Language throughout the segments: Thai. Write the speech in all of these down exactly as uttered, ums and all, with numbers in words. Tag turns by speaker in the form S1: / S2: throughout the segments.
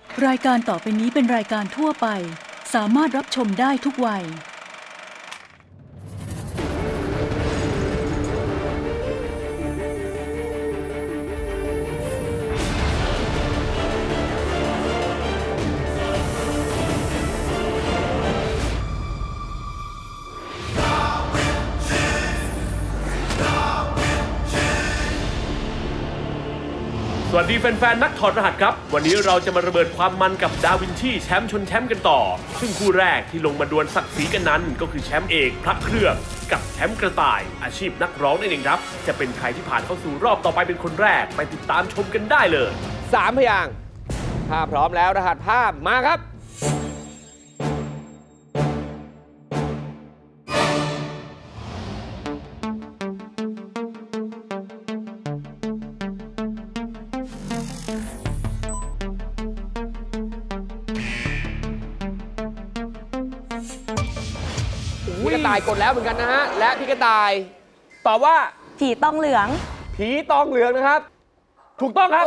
S1: รายการต่อไปนี้เป็นรายการทั่วไปสามารถรับชมได้ทุกวัย
S2: สวัสดีแฟนๆนักถอดรหัสครับวันนี้เราจะมาระเบิดความมันกับดาวินชีแชมป์ชนแชมป์กันต่อซึ่งคู่แรกที่ลงมาดวลศักดิ์ศรีกันนั้นก็คือแชมป์เอกพระเครื่องกับแชมป์กระต่ายอาชีพนักร้องนั่นเองครับจะเป็นใครที่ผ่านเข้าสู่รอบต่อไปเป็นคนแรกไปติดตามชมกันได้เลย
S3: สามพยางค์ถ้าพร้อมแล้วรหัสภาพมาครับพี่กระต่ายกดแล้วเหมือนกันนะฮะและพี่กระต่ายตอบว่า
S4: ผีตองเหลือง
S3: ผีตองเหลืองนะครับถูกต้องครับ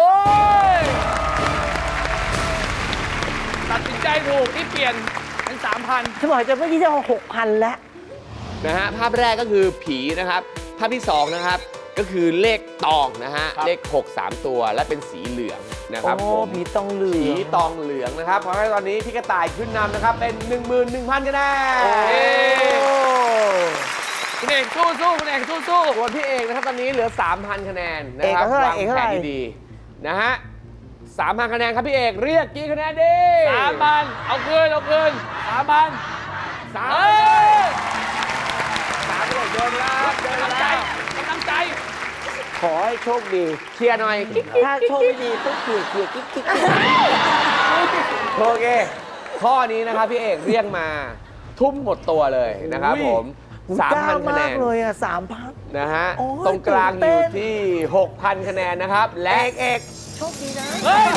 S3: ตัดสินใจถูกที่เปลี่ยนเป็นสามพัน
S4: ฉันบอกจะเมื่อกี้จะเอาหกพันแล้ว
S3: นะฮะภาพแรกก็คือผีนะครับภาพที่สองนะครับก็คือเลขตองนะฮะเลขหก สามตัวและเป็นสีเหลืองนะครับผม
S4: ผีตองเหลือง
S3: ผีตองเหลืองนะครับเพราะว่าตอนนี้พี่กระต่ายขึ้นนำนะครับเป็น หนึ่งหมื่นหนึ่งพัน คะแนนคุณเอกสู้สู้คุณเอกสู้สู้ส่วนพี่เอกนะครับตอนนี้เหลือ สามพัน คะแนนนะครับวางแผนดีๆนะฮะ สามพัน คะแนนครับพี่เอกเรียกกี่คะแนนดี
S5: สามพัน เอาคืนเอาคืนสามพัน
S3: สามสามเดินแล้วเดิน
S5: กำลังใจ
S3: แล้ว
S5: กำลังใจ
S4: ขอให้โชคดี
S3: เคลียร์หน่อย
S4: ถ้าโชคไม่ดีต้องเกลี่ยเกลี่ยกิ๊กกิ๊ก
S3: โอเคข้อนี้นะครับพี่เอกเรียกมาทุ่มหมดตัวเลยนะครับผมสามพันคะแนน
S4: เลยอ่ะสามพัน
S3: นะฮะตรงกลางอยู่ที่ หกพัน คะแนนนะครับและเอกเอก
S4: โชคดีนะ
S5: เฮ้ย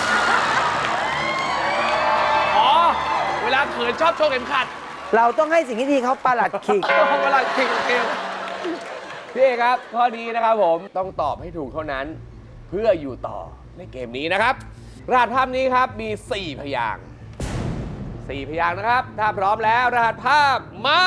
S5: อ๋อเวลาเขินชอบโชว์เข็มขัด
S4: เราต้องให้สิ่งที่ดีเขาประหลัดขิก
S5: เวลาขิงเกล
S3: พี่เอกครับข้อนี้นะครับผมต้องตอบให้ถูกเท่านั้นเพื่ออยู่ต่อในเกมนี้นะครับรหัสภาพนี้ครับมีสี่พยางค์สี่พยางค์นะครับถ้าพร้อมแล้วรหัสภาพมา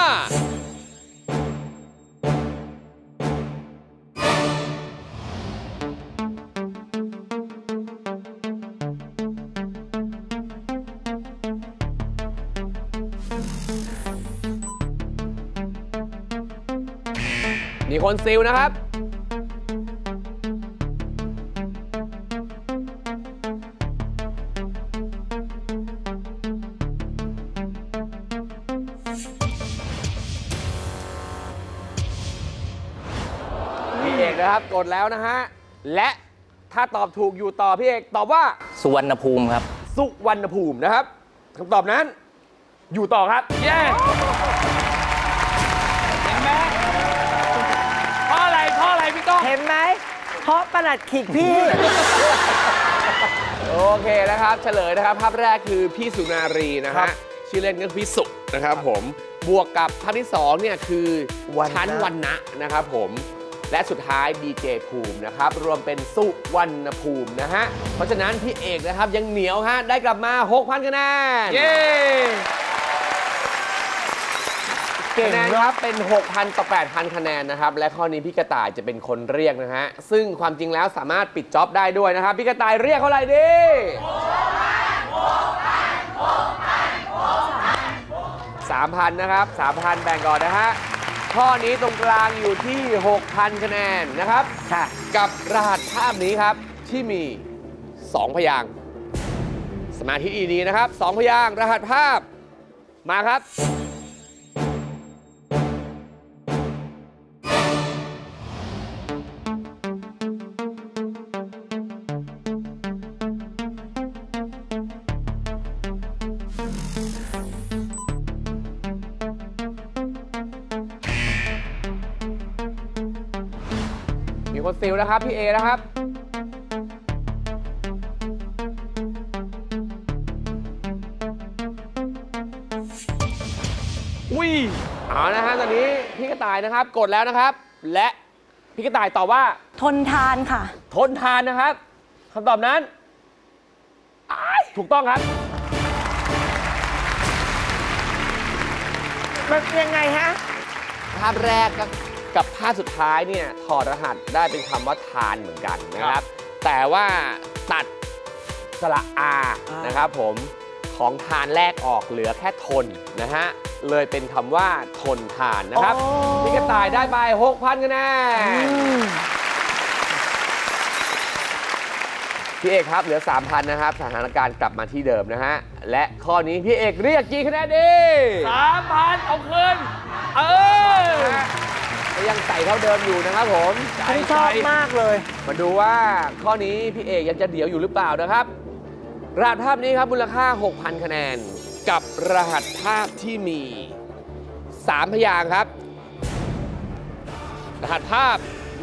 S3: มีคนซิลนะครับพี่เอกนะครับกดแล้วนะฮะและถ้าตอบถูกอยู่ต่อพี่เอกตอบว่า
S6: สุวรรณภูมิครับ
S3: สุวรรณภูมินะครับคำตอบนั้นอยู่ต่อครับ
S5: เย้เห็นไหมเพราะอะไรเพราะอะไรพี่ก้อง
S4: เห็นไหมเพราะประหลัดขิกพี่
S3: โอเคนะครับเฉลยนะครับภาพแรกคือพี่สุนารีนะฮะชื่อเล่นก็คือพี่สุนะครับผมบวกกับภาพที่สองเนี่ยคือชั้นวรรณะนะครับผมและสุดท้ายดีเจภูมินะครับรวมเป็นสุวรรณภูมินะฮะเพราะฉะนั้นพี่เอกนะครับยังเหนียวฮะได้กลับมา หกพัน คะแนน
S5: เย้
S3: คะแนนครับเป็น หกพัน ต่อ แปดพัน คะแนนนะครับและข้อนี้พี่กระต่ายจะเป็นคนเรียกนะฮะซึ่งความจริงแล้วสามารถปิดจ็อบได้ด้วยนะครับพี่กระต่ายเรียกเท่าไหร่ดีสามพันนะครับ สามพัน แบ่งก่อนนะฮะข้อนี้ตรงกลางอยู่ที่ หกพัน คะแนนนะครับกับรหัสภาพนี้ครับที่มีสองพยางค์สมาธิดีๆนะครับสองพยางค์รหัสภาพมาครับมีคนซิลนะครับพี่เอนะครับอุ้ยเอานะฮะตอนนี้พี่กระต่ายนะครับกดแล้วนะครับและพี่กระต่ายตอบว่า
S4: ทนทานค่ะ
S3: ทนทานนะครับคำตอบนั้นถูกต้องครับ
S4: มันยังไงฮะ
S3: ภาพแรกก็กับภาพสุดท้ายเนี่ยถอดรหัสได้เป็นคำว่าทานเหมือนกันนะครับ แต่ว่าตัดสระอานะครับผมของทานแรกออกเหลือแค่ทนนะฮะเลยเป็นคำว่าทนทานนะครับ
S4: อ๋อ
S3: พี่กระต่ายได้ไป หกพันคะแนนพี่เอกครับเหลือ สามพัน นะครับสถานการณ์กลับมาที่เดิมนะฮะและข้อนี้พี่เอกเรียกกี่คะแนนดี
S5: สามพันเอาคืนเออ
S3: ก็ยังใส่เท่าเดิมอยู่นะครับผม
S4: ฉันชอบมากเลย
S3: มาดูว่าข้อนี้พี่เอกยังจะเดี่ยวอยู่หรือเปล่านะครับ รหัสภาพนี้ครับมูลค่า หกพัน คะแนน กับรหัสภาพที่มี สาม พยางค์ครับ รหัสภาพมา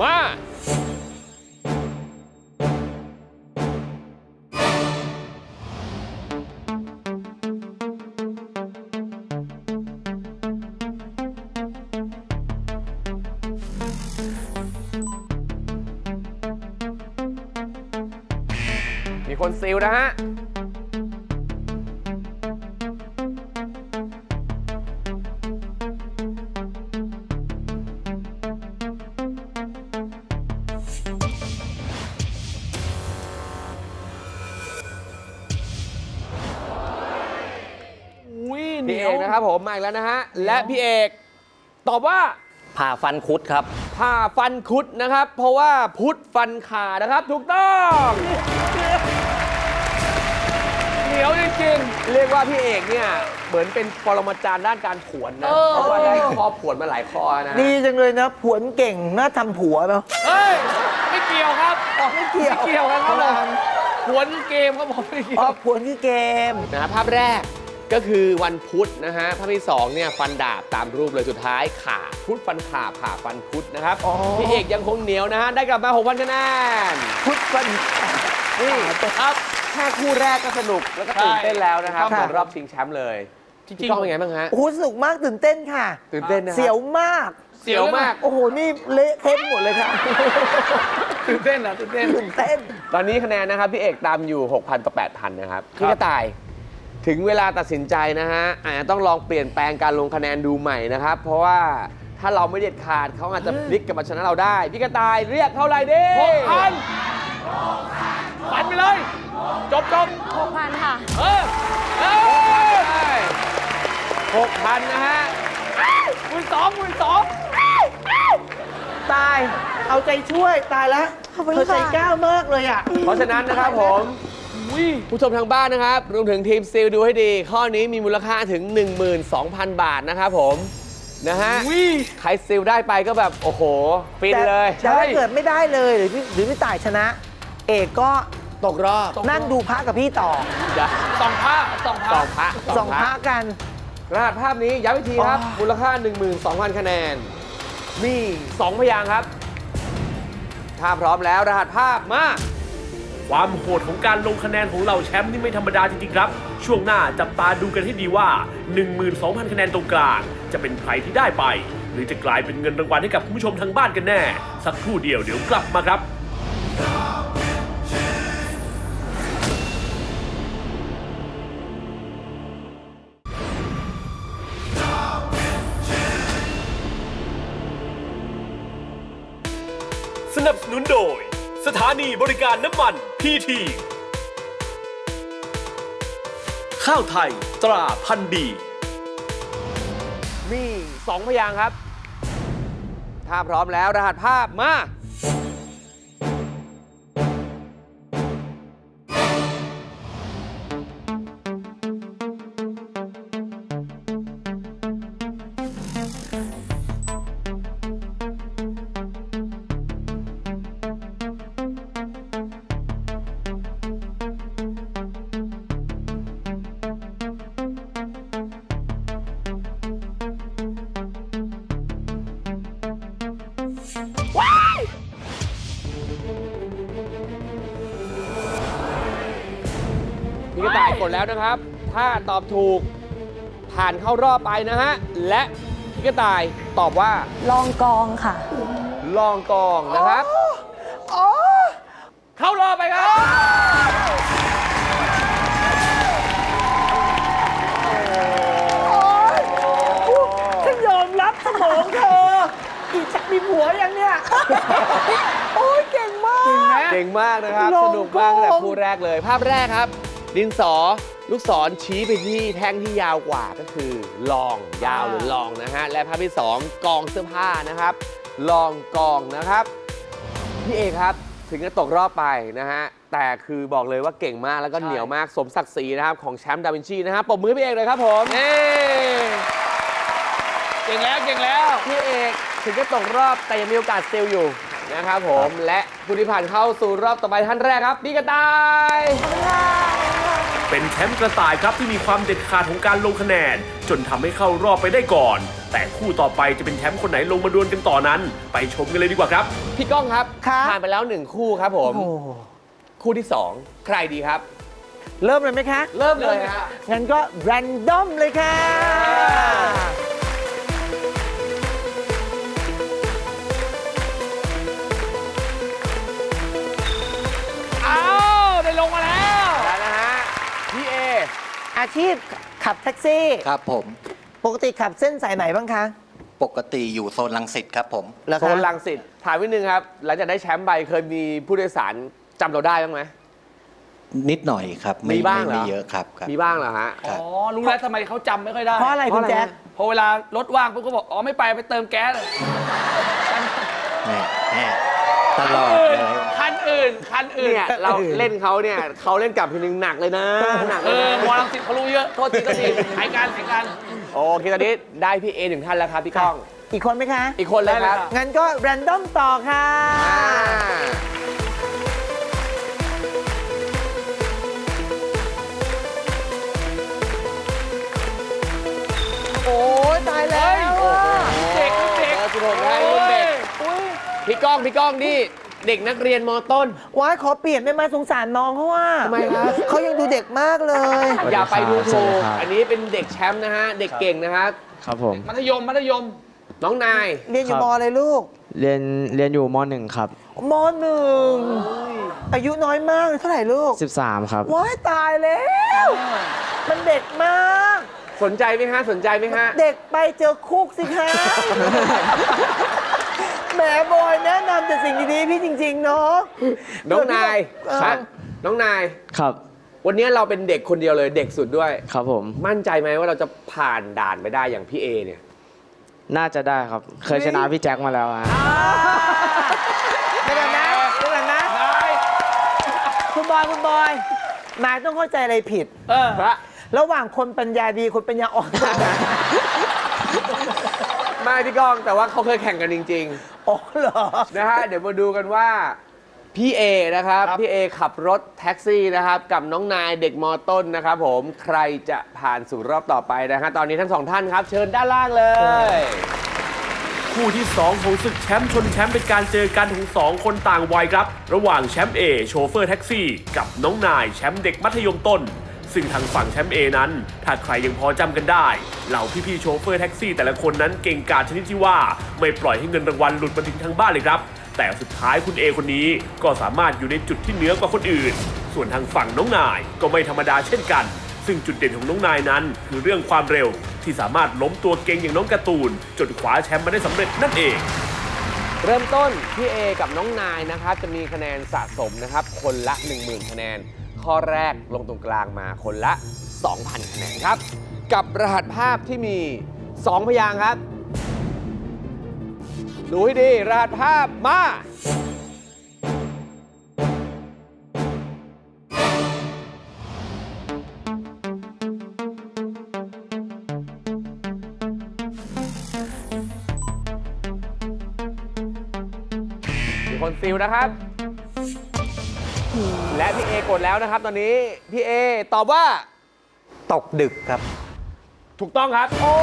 S3: มีคนซิลนะฮะ
S5: อุ้ยเห
S3: พี่
S5: นี
S3: เอย ก
S5: ว
S3: นะครับผมมาอีกแล้วนะฮะ และพี่เอกตอบว่า
S6: ผ่าฟันคุดครับ
S3: ผ่าฟันคุดนะครับ เพราะว่าพุทธฟันขานะครับ ถูกต้อง
S5: เหนียวจริง
S3: เรียกว่าพี่เอกเนี่ยเหมือนเป็นปรมาจารย์ด้านการผวนนะ เพราะว่าได้ข้อผวนมาหลายข้อนะ
S4: ดีจังเลยนะ ผวนเก่งน่าทำผัวเนาะ
S5: ๆเฮ้ย ไม่เกี่ยวครับ
S4: ไม่เกี่ยว
S5: ไม่เกี่ยวกันครับผมหวนเกมครับผมไม่เกี่ย
S4: อ๋อ
S5: ว
S4: ผวนคือเกม
S3: นะฮะภาพแรกก็คือวันพุธนะฮะภาพที่สองเนี่ยฟันดาบตามรูปเลยสุดท้ายขาพุธฟันขาผ่าฟันพุธนะครับ
S4: อ๋อ
S3: พี่เอกยังคงเหนียวนะฮะได้กลับมา หกพัน คะแนน
S4: พุทธฟัน
S3: นี่
S5: ครับ
S3: แค่คู่แรกก็สนุกแล้วก็ตื่นเต้นแล้วนะครับ
S4: ใช่
S3: เหมือนรอบชิงแชมป์เลย
S5: จริงๆ
S3: พี่ก้องเป็นไงบ้างฮะ
S4: โอ้โหสนุกมากตื่นเต้นค่ะ
S3: ตื่นเต้นนะ
S4: เสียวมาก
S3: เสียวมาก
S4: โอ้โห นี่เละเทะหมดเลยค่ะ
S5: ตื่นเต้นเหรอตื่นเต้น
S4: ตื่นเต้น
S3: ตอนนี้คะแนนนะครับพี่เอกตามอยู่ หกพัน ต่อ แปดพัน นะครับพี่กระต่ายถึงเวลาตัดสินใจนะฮะอาจจะต้องลองเปลี่ยนแปลงการลงคะแนนดูใหม่นะครับ เพราะว่าถ้าเราไม่เด็ดขาดเขาอาจจะพลิกกลับมาชนะเราได้ พี่กระต่ายเรียกเท่าไหร่ดี
S5: หกพันปันไปเลย จบจบ
S7: หกพันค่ะ
S5: เออเออ
S3: หกพันนะฮะ
S5: หมื่นสองหมื่นสอง
S4: ตาย เอาใจช่วย ตายแล้ว
S7: ขอบคุณ
S4: เธอใจ
S7: ค่ะ
S4: กล้ามากเลยอ่ะ
S3: เพราะฉะนั้นนะครับผม
S5: อุ้ย
S3: ผู้ชมทางบ้านนะครับ รวมถึงทีมซิลดูให้ดี ข้อนี้มีมูลค่าถึง หนึ่งหมื่นสองพัน บาทนะครับผม นะฮะ
S5: อุ้ย
S3: ใครซิลได้ไปก็แบบ โอ้โห ฟิน
S4: แต่
S3: เลย
S4: แต่ถ้าเกิดไม่ได้เลยหรือพี่หรือพี่ต่ายชนะ เอกก็
S3: ตกรอบ
S4: นั่งดูพระกับพี่ต่อ
S3: จะ
S5: สองผ้าสองผ้า
S3: สองพระ
S4: สองพระกัน
S3: รหัสภาพนี้ย้ำอีกทีครับ
S4: อ๋อ
S3: มูลค่า หนึ่งหมื่นสองพัน คะแนน มีสองพยางค์ครับ ถ้าพร้อมแล้วรหัสภาพมา
S2: ความโหดของการลงคะแนนของเหล่าแชมป์นี่ไม่ธรรมดาจริงๆครับ ช่วงหน้าจับตาดูกันให้ดีว่า หนึ่งหมื่นสองพัน คะแนนตรงกลางจะเป็นใครที่ได้ไป หรือจะกลายเป็นเงินรางวัลให้กับคุณผู้ชมทางบ้านกันแน่ สักครู่เดียวเดี๋ยวกลับมาครับ สนับสนุนโดย สถานีบริการน้ำมันพีที ข้าวไทยตราพันธุ์ดี
S3: มีสองพยางค์ครับ ถ้าพร้อมแล้วรหัสภาพมา พี่กระต่ายกดแล้วนะครับ ถ้าตอบถูกผ่านเข้ารอบไปนะฮะ และพี่กระต่ายตอบว่า
S7: ลองกองค่ะ
S3: ลองกองนะครับ
S4: อ๋อ
S3: เข้ารอบไปครับก่งมากนะครับ
S4: ลง
S3: สนุกมาก
S4: กอง
S3: แต่คู่แรกเลย ภาพแรกครับ ดินสอลูกศรชี้ไปที่แท่งที่ยาวกว่าก็คือลองยาวหรือลองนะฮะและภาพที่สองกองเสื้อผ้านะครับลองกองนะครับพี่เอครับถึงจะตกรอบไปนะฮะแต่คือบอกเลยว่าเก่งมากแล้วก็เหนียวมากสมศักดิ์ศรีนะครับของแชมป์ดาวินชีนะครับปรบมือให้พี่เอกเลยครับผมนี่
S5: เก่งแล้วเก่งแล้ว
S3: พี่เอกถึงจะตกรอบแต่ยังมีโอกาสซิลอยู่นะครับผมและผู้ที่ผ่านเข้าสู่รอบต่อไปท่านแรกครับพี่กระต่าย
S2: เป็นแชมป์กระต่ายครับที่มีความเด็ดขาดของการลงคะแนน จนทำให้เข้ารอบไปได้ก่อน แต่คู่ต่อไปจะเป็นแชมป์คนไหนลงมาดวลกันต่อนั้น ไปชมกันเลยดีกว่าครับ
S3: พี่ก้องครับ
S4: ครับ
S3: ผ่านไปแล้วหนึ่งคู่ครับผม
S4: โอ้
S3: คู่ที่สองใครดีครับ
S4: เริ่มเลยไหมคะ
S3: เริ่มเลยฮะ
S4: งั้นก็ แรนดอมเลยค่ะ
S5: อ้าวได้ลงมาแล้ว
S3: ได้นะฮะพี่เอ
S4: อาชีพขับแท็กซี่
S6: ครับผม
S4: ปกติขับเส้นสายไหนบ้างคะ
S6: ปกติอยู่โซนลังสิตครับผม
S4: เหรอ
S3: โซ
S4: คะ
S3: นลังสิตถามนิดนึงครับหลังจากได้แชมป์ไปเคยมีผู้โดยสารจำเราได้บ้างไหม
S6: นิดหน่อยครับ ไ
S3: มีบ้างเหรอ
S6: ไม่เยอะครับครับ
S3: มีบ้างเหรอฮะ
S6: ครับ
S5: อ๋อ รู้แล้วทำไมเขาจำไม่ค่อยได้
S4: เพราะอะไรคุณแจ๊ค
S5: พอเวลารถว่างปุ๊บก็บอก อ๋อ ไม่ไปไปเติมแก๊ส
S6: แน่แน่ตลอด
S5: อื่น
S6: เลย
S5: คันอื่น คันอื่น
S3: เนี่ยเราเล่นเขาเนี่ยเขาเล่นกลับทีนึงหนักเลยนะหนัก
S5: เอ
S3: เลย
S5: อ
S3: นะ
S5: มอลังสิตเขารู้เยอะ โทษทีโทษทีหายการหายการ
S3: โอเคตอนนี้ได้พี่เอหนึ่งท่านแล้วครับพี่ก้อง
S4: อีกคนไหมคะ
S3: อีกคนเลยครับ
S4: งั้นก็ แรนดอมต่อค่ะ
S3: อ่า
S4: โอ้ยตายแล้ว
S3: โอ้โห
S5: เด็กเด็ก
S3: เบอร์สิบหกให้รุ่นเด็ก
S4: อุ้ย
S3: พี่ก้องพี่ก้องนี่เด็กนักเรียนมต้น
S4: ว้ายขอเปลี่ยนได้ไหมสงสารน้องเขาว่า
S3: ทำไมครับ
S4: เขายังดูเด็กมากเลย
S3: อย่าไปดูถูกอันนี้เป็นเด็กแชมป์นะฮะ เด็กเก่งนะครับ
S8: ครับผม
S5: มัธยม มัธยม
S3: น้องนาย
S4: เรียนอยู่
S8: ครับ
S4: มอะไรลูก
S8: เรียนเรียนอยู่มหนึ่งครับ
S4: มหนึ่งอายุน้อยมากเลยเท่าไหร่ลูก
S8: สิบสามครับ
S4: ว้ายตายแล้ว มันเด็กมาก
S3: สนใจไหมฮะ สนใจไหมฮะ
S4: เด็กไปเจอคุกสิคะ แหมบอยแนะนำแต่สิ่งดีๆพี่จริง ๆ เนาะ
S3: น้องนาย
S4: เออ
S3: ครับน้องนาย
S8: ครับ
S3: วันนี้เราเป็นเด็กคนเดียวเลยเด็กสุดด้วย
S8: ครับผม
S3: มั่นใจไหมว่าเราจะผ่านด่านไปได้อย่างพี่เอเนี่ย
S8: น่าจะได้ครับ เคยชนะพี่แจ็คมาแล้วฮะ
S4: เดี๋ยวก่อนนะเดี๋ยวก่อนนะ
S5: นาย
S4: คุณบอยคุณบอยนายต้องเข้าใจอะไรผิด
S5: เออ
S4: ระหว่างคนปัญญาดีคนปัญญาอ่อน
S3: ไม่พี่ก้องแต่ว่าเขาเคยแข่งกันจริง
S4: อ๋อเหรอ
S3: ๆ นะฮะ เดี๋ยวมาดูกันว่าพี่เอนะครับ
S5: ครับ
S3: พี่เอขับรถแท็กซี่นะครับ กับน้องนายเด็กมต้นนะครับผมใครจะผ่านสู่รอบต่อไปนะฮะตอนนี้ทั้งสองท่านครับ เชิญด้านล่างเลย
S2: คู่ที่สองของศึกแชมป์ชนแชมป์เป็นการเจอกันของสองคนต่างวัยครับ ระหว่างแชมป์เอโชเฟอร์แท็กซี่ กับน้องนายแชมป์เด็กมัธยมต้น ซึ่งทางฝั่งแชมป์เอนั้น ถ้าใครยังพอจำกันได้ เหล่าพี่ๆโชเฟอร์แท็กซี่แต่ละคนนั้นเก่งกาจชนิดที่ว่า ไม่ปล่อยให้เงินรางวัลหลุดมาถึงทางบ้านเลยครับ แต่สุดท้ายคุณเอคนนี้ก็สามารถอยู่ในจุดที่เหนือกว่าคนอื่น ส่วนทางฝั่งน้องนายก็ไม่ธรรมดาเช่นกัน ซึ่งจุดเด่นของน้องนายนั้น คือเรื่องความเร็ว ที่สามารถล้มตัวเก่งอย่างน้องการ์ตูนจนคว้าแชมป์มาได้สำเร็จนั่นเอง
S3: เริ่มต้นพี่เอกับน้องนายนะครับจะมีคะแนนสะสมนะครับคนละ หนึ่งหมื่น คะแนน ข้อแรกลงตรงกลางมาคนละ สองพัน คะแนนครับ กับรหัสภาพที่มี สอง พยางค์ครับ ดูให้ดี รหัสภาพมา มีคนซิลนะครับ และพี่เอกดแล้วนะครับ ตอนนี้พี่เอตอบว่า
S6: ตกดึกครับ
S3: ถูกต้องครับ
S4: โอ้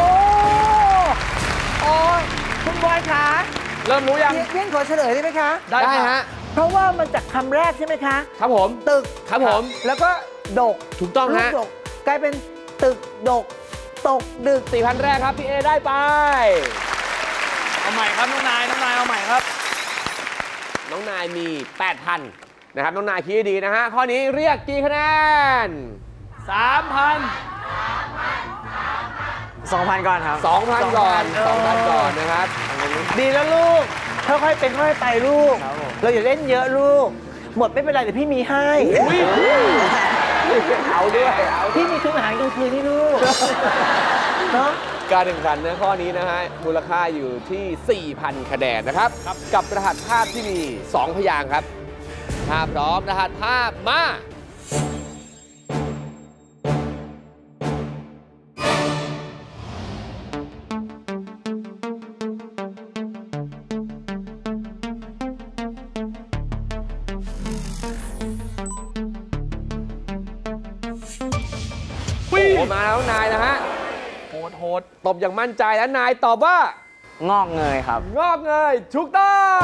S4: โอ้คุณบอยคะ
S5: เริ่มรู้ยัง
S4: เพี้ยนขอเฉลยได้ไหมคะ
S5: ได้
S3: ได้
S5: ค่ะ
S3: ฮะ
S4: เพราะว่ามันจากคำแรกใช่ไหมคะ
S3: ครับผม
S4: ตึก
S3: ครับผม
S4: แล้วก็ดก
S3: ถูกต้อง
S4: ลูก
S3: ฮะ
S4: ดกกลายเป็นตึกดก ตกดึก
S3: สี่พันแรกครับ พี่เอได้ไป
S5: เอาใหม่ครับ น้องนาย น้องนาย เอาใหม่ครับ
S3: น้องนายมี แปดพัน นะครับ น้องนายคิดให้ดีนะฮะ ข้อนี้เรียกกี่คะแนน
S5: สามพัน
S8: สองพันก่อนครับ
S3: สองพัน ก่อน
S4: เออ
S3: สองพัน ก่อนนะครับ
S4: ดีแล้วลูก ค่อยๆเป็นค่อยๆไปลูก
S8: ครับผม
S4: เราอย่าเล่นเยอะลูกหมดไม่เป็นไรเดี๋ยวพี่มีให้
S3: เอาด้วยเอา
S4: พี่มีทุนอาหารกลางคืนนี่ลูกเนาะ
S3: การแข่งขันนะข้อนี้นะฮะมูลค่าอยู่ที่ สี่พัน คะแนนนะครับ กับรหัสภาพที่มี สอง พยางค์ครับถ้าพร้อมรหัสภาพมา โอ้โหมาแล้วนายนะฮะ
S5: โหดโหด
S3: ตบอย่างมั่นใจแล้วนายตอบว่า
S8: งอกเงยครับ
S3: งอกเงยถูกต้อง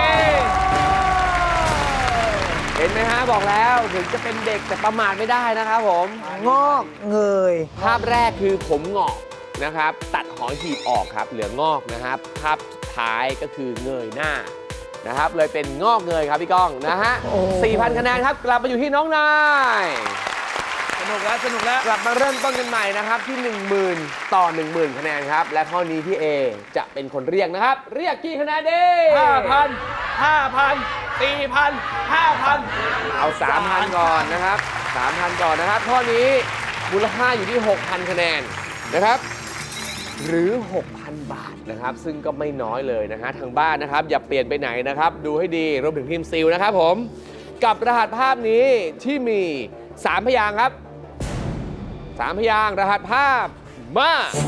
S3: เห็นไหมฮะบอกแล้วถึงจะเป็นเด็กแต่ประมาทไม่ได้นะครับผม
S4: งอกเงย
S3: ภาพแรกคือผมงอกนะครับ ตัดหอหีบออกครับ เหลืองอกนะครับ ภาพสุดท้ายก็คือเงยหน้านะครับ เลยเป็นงอกเงยครับพี่ก้องนะฮะ
S4: โอ้
S3: สี่พัน คะแนนครับ กลับมาอยู่ที่น้องนาย
S5: สนุกแล้วสนุกแล้ว
S3: กลับมาเริ่มต้นกันใหม่นะครับที่ หนึ่งหมื่น ต่อ หนึ่งหมื่น คะแนนครับ และข้อนี้พี่เอจะเป็นคนเรียกนะครับ เรียกกี่คะแนนดี
S5: ห้าพัน ห้าพัน สี่พัน ห้าพัน
S3: เอา สามพัน ก่อนนะครับ สามพัน ก่อนนะครับ ข้อนี้มูลค่าอยู่ที่ หกพัน คะแนนนะครับ หรือ หกพัน บาทนะครับ ซึ่งก็ไม่น้อยเลยนะฮะทางบ้านนะครับ อย่าเปลี่ยนไปไหนนะครับ ดูให้ดีรวมถึงทีมซิลนะครับผม กับรหัสภาพนี้ที่มี สาม พยางค์ครับ สาม พยางค์รหัสภาพมา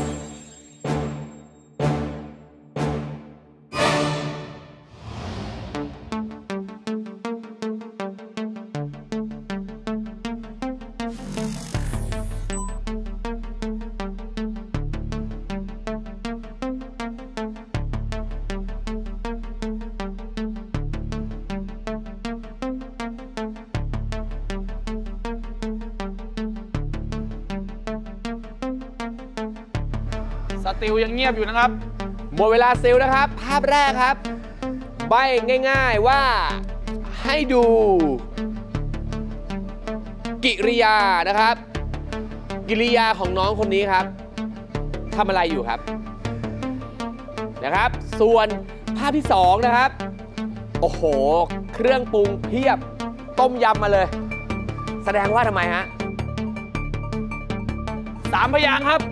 S5: สติลยังเงียบอยู่นะครับ
S3: หมดเวลาซิลนะครับ ภาพแรกครับ ใบง่ายๆว่าให้ดูกิริยานะครับ กิริยาของน้องคนนี้ครับทำอะไรอยู่ครับนะครับ ส่วนภาพที่สองนะครับ โอ้โห เครื่องปรุงเพียบต้มยำมาเลย แสดงว่าทำไมฮะ
S5: สามพยางค์ครับ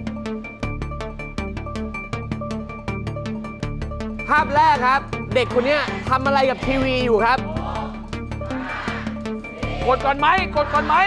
S3: ภาพแรกครับ เด็กคนเนี้ยทำอะไรกับทีวีอยู่ครับ
S5: กดก่อนไหมกดก่อนไหม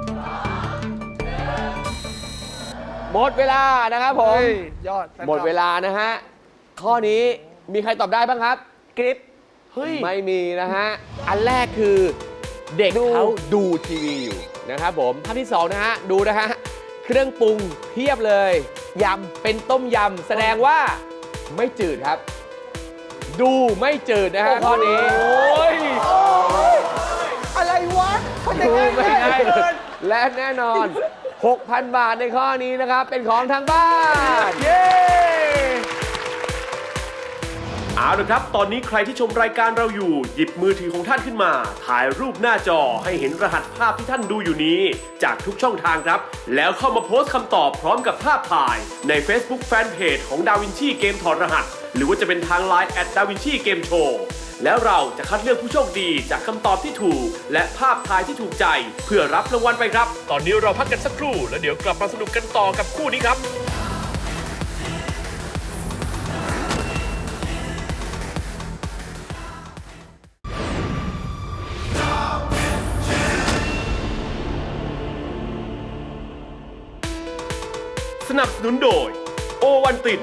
S3: หมดเวลานะครับผม
S5: เฮ้ยยอด
S3: หมดเวลานะฮะ ข้อนี้มีใครตอบได้บ้างครับ
S4: กริป
S5: เฮ้ย
S3: ไม่มีนะฮะ อันแรกคือเด็กเขาดูทีวีอยู่นะครับผมภาพที่สองนะฮะ ดูนะฮะ เครื่องปรุงเพียบเลย ยำเป็นต้มยำแสดงว่าไม่จืดครับ ดูไม่จืดนะฮะข้อนี้
S5: โอ้ย
S4: อะไรวะเขาจะ
S3: ดู
S4: ง่าย
S3: ไม่
S4: ง่าย
S3: ได้
S4: เกิน
S3: และแน่นอน หกพัน บาทในข้อนี้นะครับ เป็นของทางบ้าน
S5: เย้
S2: เอาละครับ ตอนนี้ใครที่ชมรายการเราอยู่ หยิบมือถือของท่านขึ้นมา ถ่ายรูปหน้าจอให้เห็นรหัสภาพที่ท่านดูอยู่นี้ จากทุกช่องทางครับ แล้วเข้ามาโพสต์คำตอบพร้อมกับภาพถ่ายใน Facebook Fanpage ของ DaVinci เกมถอดรหัส หรือว่าจะเป็นทาง ไลน์ แอท ดาวินชีเกมโชว์ แล้วเราจะคัดเลือกผู้โชคดีจากคำตอบที่ถูก และภาพถ่ายที่ถูกใจ เพื่อรับรางวัลไปครับ ตอนนี้เราพักกันสักครู่แล้วเดี๋ยวกลับมาสนุกกันต่อกับคู่นี้ครับ สนับสนุนโดยโอวันติน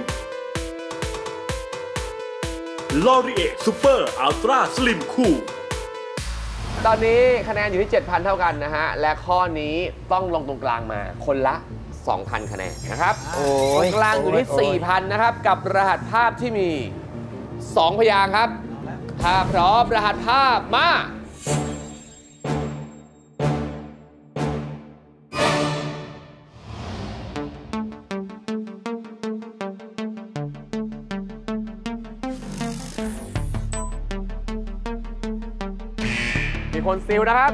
S2: ลอรีเอซูเปอร์อัลตร้าสลิมคูล
S3: ตอนนี้คะแนนอยู่ที่ เจ็ดพัน เท่ากันนะฮะ และข้อนี้ต้องลงตรงกลางมาคนละ สองพัน คะแนนนะครับ
S4: โอ้
S3: ตร
S4: ย
S3: งกลางอยู่ที่ สี่พัน นะครับ กับรหัสภาพที่มี สอง พยางค์ครับ ถ้าพร้อมรหัสภาพมา มีคนซิลนะครับ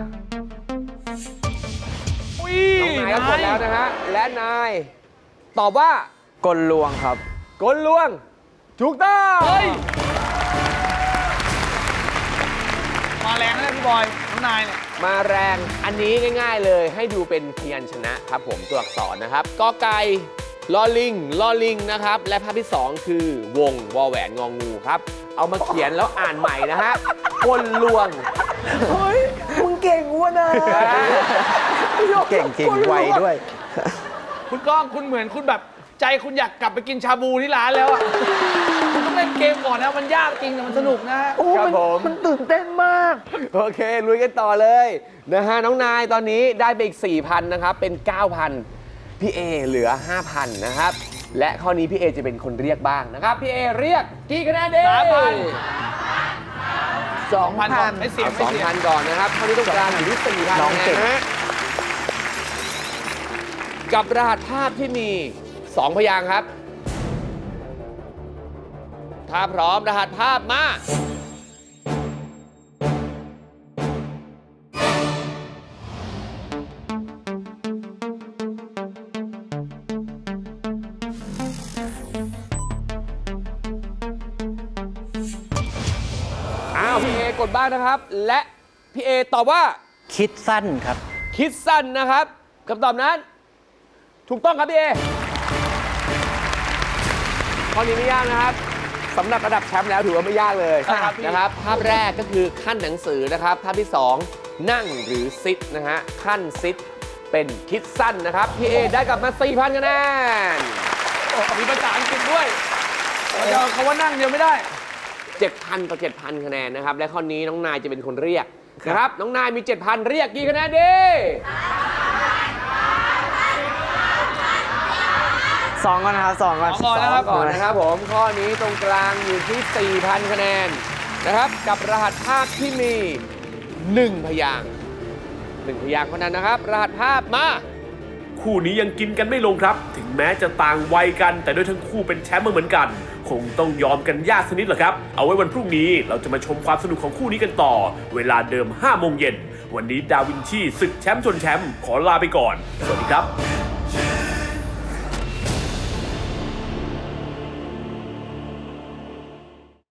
S5: อุ้ย
S3: น้องนายก็กดแล้วนะฮะ และนาย ตอบว่า
S8: กลลวงครับ
S3: กลลวง ถูกต้อง
S5: เฮ้ย มาแรงนะพี่บอย
S3: ถ
S5: น้องนายเนี่ย
S3: มาแรงอันนี้ง่ายๆเลยให้ดูเป็นพยัญชนะครับผมตัวอักษรนะครับกอไก่ลอลิงลอลิงนะครับและภาพที่สองคือวงวอแหวนงองูครับเอามาเขียนแล้วอ่านใหม่นะฮะคนลวง
S4: เฮ้ย มึงเก่งวะนะ
S6: เก่งจริงไวด้วย
S5: คุณก้องคุณเหมือนคุณแบบใจคุณอยากกลับไปกินชาบูที่ร้านแล้วอะคุณต้องเล่นเกมก่อนนะมันยากจริงแต่มันสนุกนะฮะ
S4: โอ้
S3: ครับ
S4: มัน
S3: ผม
S4: มันตื่นเต้นมาก
S3: โอเคลุยกันต่อเลยนะฮะน้องนายตอนนี้ได้ไปอีก สี่พัน นะครับเป็น เก้าพัน พี่เอเหลือ ห้าพัน นะครับและข้อนี้พี่เอจะเป็นคนเรียกบ้างนะครับพี่เอเรียกกี่คะแนนดี
S5: สามพัน
S4: สอง
S5: พัน
S4: พั
S5: ก่อน
S4: น
S5: ให้เสียง
S3: เอา
S5: ให้
S3: สอง
S5: เสียง
S3: พันก่อนนะครับข้อนี้ตรงกลางอยู่ที่ สี่พัน
S6: น้องเก่ง
S3: นะฮะกับรหัสภาพที่มี สอง พยางค์ครับถ้าพร้อมรหัสภาพมาอ้าวพี่เอกดบ้างนะครับ และพี่เอตอบว่า
S6: คิดสั้นครับ
S3: คิดสั้นนะครับคำตอบนั้น ถูกต้องครับพี่เอข้อนี้ไม่ยากนะครับสำหรับระดับแชมป์แล้วถือว่าไม่ยากเลย
S5: ครับพี่
S3: นะครับ ภาพแรกก็คือขั้นหนังสือนะครับ ภาพที่สองนั่งหรือซิดนะฮะขั้นซิดเป็นคิดสั้นนะครับพี่เอได้กลับมา สี่พัน คะแนน
S5: โอ้มีภาษาอังกฤษด้วยเราจะเอาคำว่านั่งเดียวไม่ได้
S3: เจ็ดพัน ต่อ เจ็ดพัน คะแนนนะครับและข้อนี้น้องนายจะเป็นคนเรียกนะครับน้องนายมี เจ็ดพัน เรียกกี่คะแนนดี
S8: สองก่อนนะครับสองก่อน
S5: สองก่อนนะครับ
S3: ก่อนนะครับผมข้อนี้ตรงกลางอยู่ที่ สี่พัน คะแนนนะครับกับรหัสภาพที่มี หนึ่ง พยางค์หนึ่งพยางค์เท่านั้นนะครับ รหัสภาพมา
S2: คู่นี้ยังกินกันไม่ลงครับ ถึงแม้จะต่างวัยกัน แต่ด้วยทั้งคู่เป็นแชมป์มาเหมือนกัน คงต้องยอมกันยากสกนิดเหรอครับ เอาไว้วันพรุ่งนี้เราจะมาชมความสนุกของคู่นี้กันต่อ เวลาเดิม ห้าโมงเย็นวันนี้ดาวินชีศึกแชมป์ชนแชมป์ขอลาไปก่อน สวัสดีครับ